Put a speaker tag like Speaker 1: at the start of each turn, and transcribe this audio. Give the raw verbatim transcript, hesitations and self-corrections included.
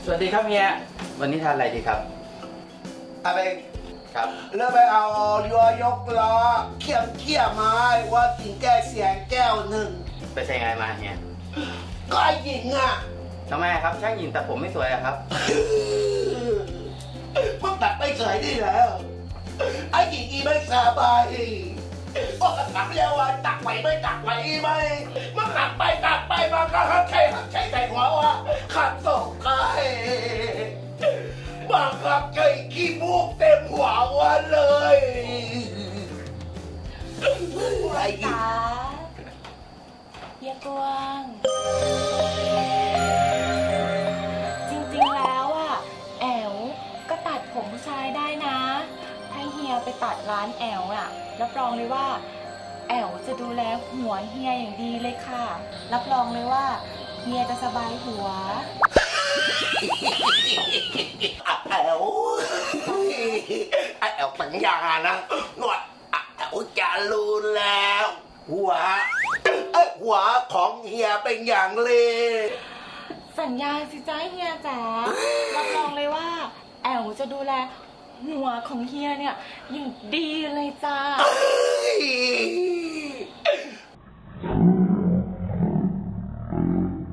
Speaker 1: สวัสดีครับเฮียวันนี้ทานอะไรดีครับ
Speaker 2: อะไร
Speaker 1: ครับ
Speaker 2: เริ่มไปเอายัวยกล้อเขี่ยมเขี่ยไม้ว่ากินแก้เสียงแก้วหนึ่ง
Speaker 1: ไปใช้งานมาเฮีย
Speaker 2: ก็ไอ้หญิงอ่ะ
Speaker 1: ทำไมครับช่างหญิงแต่ผมไม่สวยอะครับ
Speaker 2: มึงตัดไม่สวยนี่แล้วไอ้หญิงอีไม่สบายก็ตักเรียกว่าตักไหวไม่ตักไหวไหมมันตักไปตักไปมันก็หักใช้หักใช้ใส่หัวว่าขัดส่งใครบางครั้งใจขี้มูกเต็มหัววันเลยไอ้หญิง
Speaker 3: เฮียกวางจริงๆแล้วอ่ะแอวก็ตัดผมผู้ชายได้นะถ้าเฮียไปตัดร้านแอวอ่ะรับรองเลยว่าแอวจะดูแลหัวเฮียอย่างดีเลยค่ะรับรองเลยว่าเฮียจะสบายหัว
Speaker 2: แอวไอแอวสัญญานะหนวดแอวจะรู้แล้วหัวไอหัวของเฮียเป็นอย่างเล
Speaker 3: สัญญาสิจ้าเฮียจ๋ารับรองเลยว่าแอวจะดูแลหัวของเฮียเนี่ยอย่างดีเลยจ้า